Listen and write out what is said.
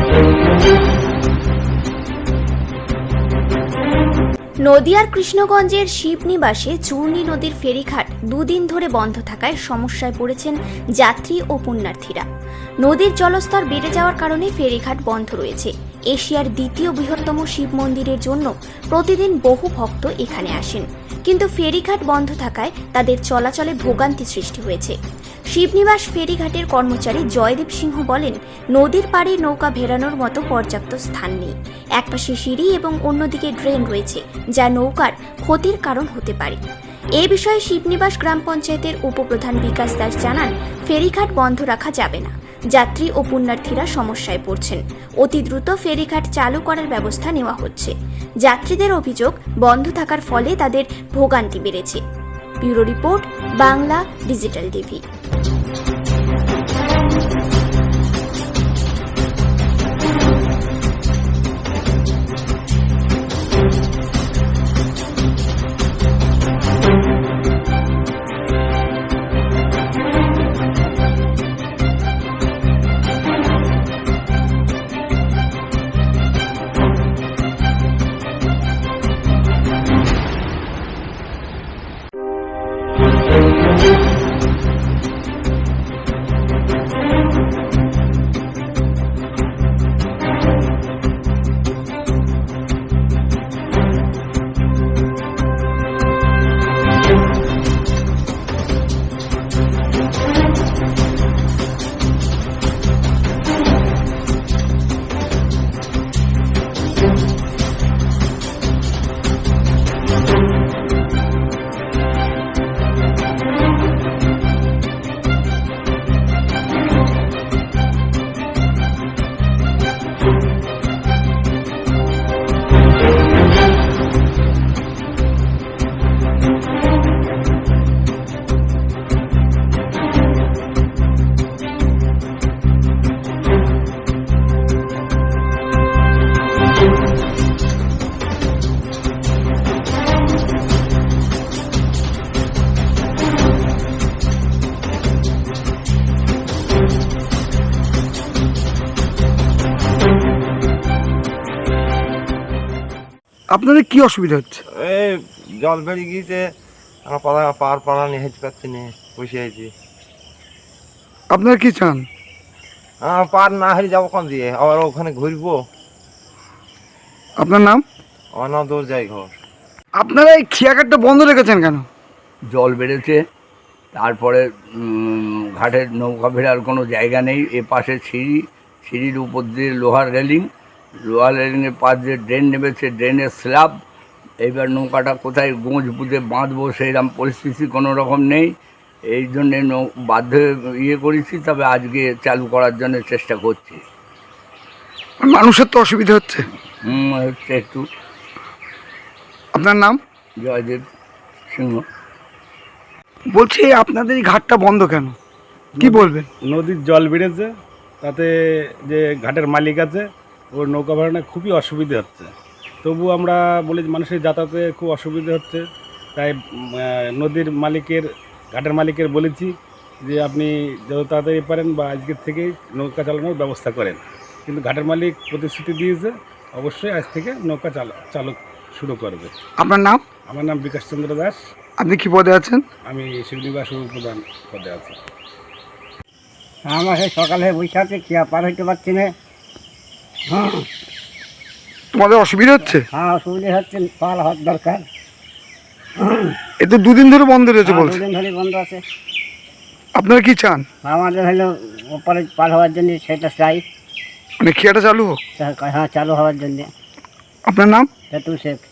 নদিয়ার কৃষ্ণগঞ্জের শিবনিবাসে চূর্ণী নদীর ফেরিঘাট দুদিন ধরে বন্ধ থাকায় সমস্যায় পড়েছেন যাত্রী ও পুণ্যার্থীরা। নদীর জলস্তর বেড়ে যাওয়ার কারণে ফেরিঘাট বন্ধ রয়েছে। এশিয়ার দ্বিতীয় বৃহত্তম শিব মন্দিরের জন্য প্রতিদিন বহু ভক্ত এখানে আসেন, কিন্তু ফেরিঘাট বন্ধ থাকায় তাদের চলাচলে ভোগান্তি সৃষ্টি হয়েছে। শিবনিবাস ফেরিঘাটের কর্মচারী জয়দীপ সিংহ বলেন, নদীর পাড়ে নৌকা ভেড়ানোর মতো পর্যাপ্ত স্থান নেই। একপাশে সিঁড়ি এবং অন্যদিকে ড্রেন রয়েছে, যা নৌকার ক্ষতির কারণ হতে পারে। এ বিষয়ে শিবনিবাস গ্রাম পঞ্চায়েতের উপপ্রধান বিকাশ দাস জানান, ফেরিঘাট বন্ধ রাখা যাবে না। যাত্রী ও পুণ্যার্থীরা সমস্যায় পড়ছেন। অতি দ্রুত ফেরিঘাট চালু করার ব্যবস্থা নেওয়া হচ্ছে। যাত্রীদের অভিযোগ, বন্ধ থাকার ফলে তাদের ভোগান্তি বেড়েছে। Bureau report, Bangla digital TV. আপনাদের কি অসুবিধা হচ্ছে? এই জল বেড়ে গিয়েছে, আমরা পাড়া নিয়ে হেঁটে পাচ্ছি না, বসে আছি। আপনারা কি চান? পার না হেরে যাবো কোন দিয়ে, আবার ওখানে ঘুরবো। আপনার নাম? আমার নাম দোরজাই ঘর। আপনারা এই খেয়াঘাটটা বন্ধ রেখেছেন কেন? জল বেড়েছে, তারপরে ঘাটের নৌকা ভেড়ার কোনো জায়গা নেই। এ পাশে সিঁড়ির উপর দিয়ে লোহার রেলিংয়ের পাশ দিয়ে ড্রেন নেমেছে, ড্রেনের স্ল্যাব। এইবার নৌকাটা কোথায় গোঁজ পুঁতে বাঁধবো সেইরকম পরিস্থিতি কোনো রকম নেই। এই জন্যে বাধ্য করেছি, তবে আজকে চালু করার জন্য চেষ্টা করছি। মানুষের তো অসুবিধা হচ্ছে। হচ্ছে একটু। আপনার নাম? জয়দেব সিংহ। বলছি আপনাদের এই ঘাটটা বন্ধ কেন, কি বলবেন? নদীর জল বেড়েছে, তাতে যে ঘাটের মালিক আছে ওর নৌকা ভাড়ানো খুবই অসুবিধে হচ্ছে। তবু আমরা বলি মানুষের যাতায়াতে খুব অসুবিধে হচ্ছে, তাই ঘাটের মালিকের বলেছি যে আপনি যত তাড়াতাড়ি পারেন বা আজকের থেকেই নৌকা চালানোর ব্যবস্থা করেন। কিন্তু ঘাটের মালিক প্রতিশ্রুতি দিয়েছে অবশ্যই আজ থেকে নৌকা চালক শুরু করবে। আপনার নাম? আমার নাম বিকাশ চন্দ্র দাস। আপনি কি পদে আছেন? আমি শিবনিবাস উপপ্রধান পদে আছি। আমরা সেই সকালে বসে আছি, খেয়া পার হইতে পারছি না। তোমাদের অসুবিধা হচ্ছে? হ্যাঁ, অসুবিধা হচ্ছে, পার হওয়ার দরকার। এ তো দুদিন ধরে বন্ধ রয়েছে বলছে। দুদিন ধরে বন্ধ আছে। আপনারা কি চান? আমাদের হলো ওপরে পার হওয়ার জন্য সেটা চাই, মানে খেয়াটা চালু হোক। হ্যাঁ, চালু হওয়ার জন্য। আপনার নাম? সেতু শেখ।